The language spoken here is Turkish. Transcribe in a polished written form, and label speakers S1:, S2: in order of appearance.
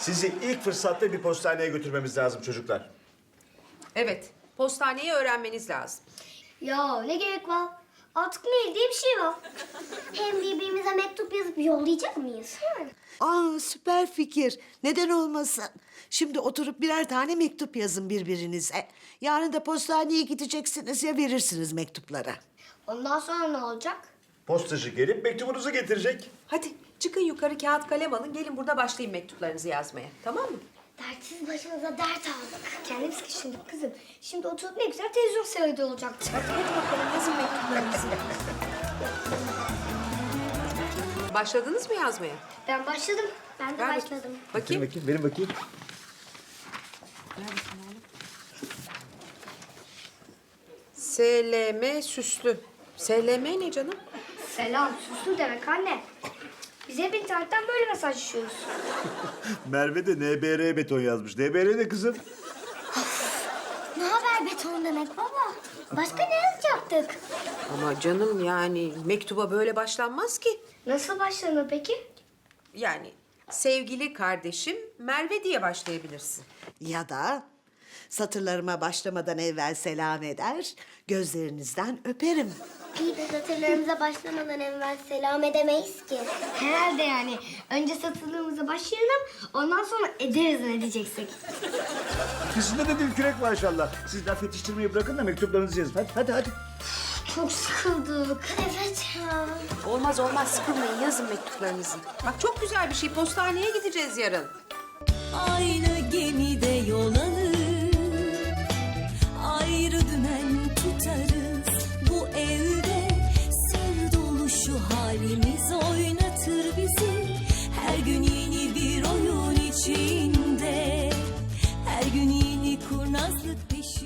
S1: Sizi ilk fırsatta bir postaneye götürmemiz lazım çocuklar.
S2: Evet, postaneyi öğrenmeniz lazım.
S3: Ya ne gerek var? Artık mail diye bir şey var. Hem birbirimize mektup yazıp yollayacak mıyız?
S4: Aa, süper fikir. Neden olmasın? Şimdi oturup birer tane mektup yazın birbirinize. Yarın da postaneye gideceksiniz ya, verirsiniz mektupları.
S3: Ondan sonra ne olacak?
S1: Postacı gelip mektubunuzu getirecek.
S2: Hadi çıkın yukarı kağıt kalem alın. Gelin burada başlayın mektuplarınızı yazmaya. Tamam mı?
S3: Dertsiz başımıza dert aldık. Kendimiz sıkıştırdık kızım. Şimdi oturup ne güzel televizyon seyrediyor olacaktık.
S2: Hadi bakalım yazın mektuplarınızı. Başladınız mı yazmaya?
S3: Ben başladım. Ben de
S2: Ver
S3: başladım.
S2: Bakayım.
S1: Bakayım, benim bakayım.
S2: SLM süslü. SLM ne canım?
S3: Selam, süslü demek anne. Biz hep internetten böyle mesajlaşıyoruz.
S1: Merve de NBR beton yazmış. NBR ne kızım?
S3: Ne haber beton demek baba? Başka ne yazacaktık?
S2: Ama canım yani mektuba böyle başlanmaz ki.
S3: Nasıl başlanır peki?
S2: Yani sevgili kardeşim Merve diye başlayabilirsin.
S4: Ya da satırlarıma başlamadan evvel selam eder, gözlerinizden öperim.
S3: İyi de satırlarımıza başlamadan evvel selam edemeyiz ki. Herhalde yani. Önce satırlarımıza başlayalım, ondan sonra ederiz ne diyeceksek.
S1: İkisinde de dil kürek maşallah. Siz laf yetiştirmeyi bırakın da mektuplarınızı yazın. Hadi.
S3: Çok sıkıldık. Evet ya.
S2: Olmaz olmaz sıkılmayın yazın mektuplarınızı. Bak çok güzel bir şey postaneye gideceğiz yarın.
S5: Aynı gemide yol alır, ayrı dümen tutarız. Bu evde sır dolu şu halimiz oynatır bizi. Her gün yeni bir oyun içinde, her gün yeni kurnazlık peşinde.